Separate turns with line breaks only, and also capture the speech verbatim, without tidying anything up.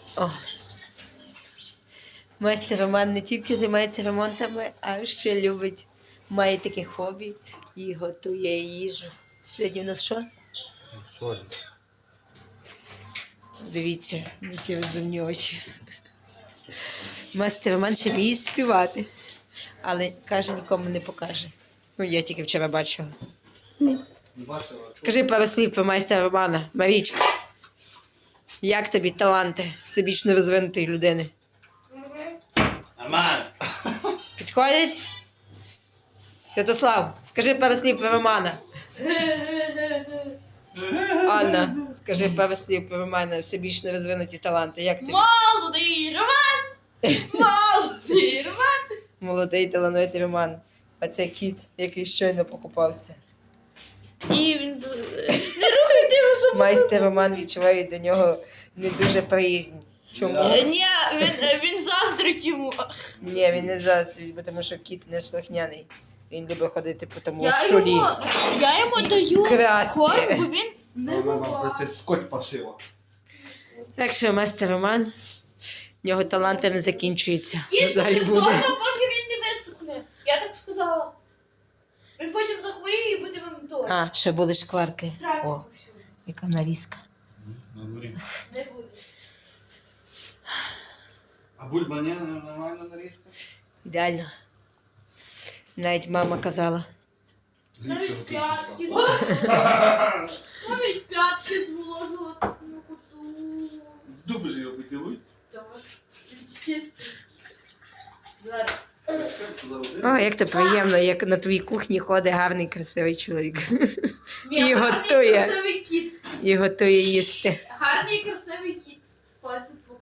О. Майстер Роман не тільки займається ремонтами, а ще любить, має таке хобі і готує їжу. Сьогодні в нас що?
Соль.
Дивіться, які розумні очі. Майстер Роман ще вміє співати, але, каже, нікому не покаже. Ну, я тільки вчора бачила. Скажи пару слів про майстера Романа. Марічка, як тобі таланти всебічно розвинутої людини?
Нормально.
Підходять? Святослав, скажи пару слів про Романа. Анна, скажи пару слів про Романа, всебічно розвинуті таланти. Як тобі?
Молодий Роман! Молодий Роман!
Молодий талановитий Роман. А це кіт, який щойно покупався.
І він... з- Не рухайте його за...
Майстер Роман відчуває до нього не дуже приязнь. Чому?
Е, Ні, він, е, він заздрить йому.
Ні, він не заздрить, бо тому що кіт не слухняний. Він любить ходити по тому
Я
столі.
йому, я йому даю
красти.
корм, бо він не
Вона
буває.
вам просто скоть пошила.
Так що майстер Роман, в нього таланти не закінчуються.
Кіт
Далі
буде
буде.
вдома, поки він не висохне. Я так сказала. Він потім захворіє і буде вам то.
А, ще були шкварки. О, яка нарізка.
На дворі.
Не буде.
А бульба не нормальна нарізка?
Ідеально. Навіть мама казала.
Ліпше
Навіть п'ятки.
готуєш.
Навіть п'ятки зволожили таку куту.
В дуби ж його поцілуй.
Чисто. Зараз.
О, як то приємно, як на твоїй кухні ходить гарний, красивий чоловік.
Мій
І
гарний
готує.
красивий кіт.
І готує їсти.
Гарний красивий кіт. Ходить по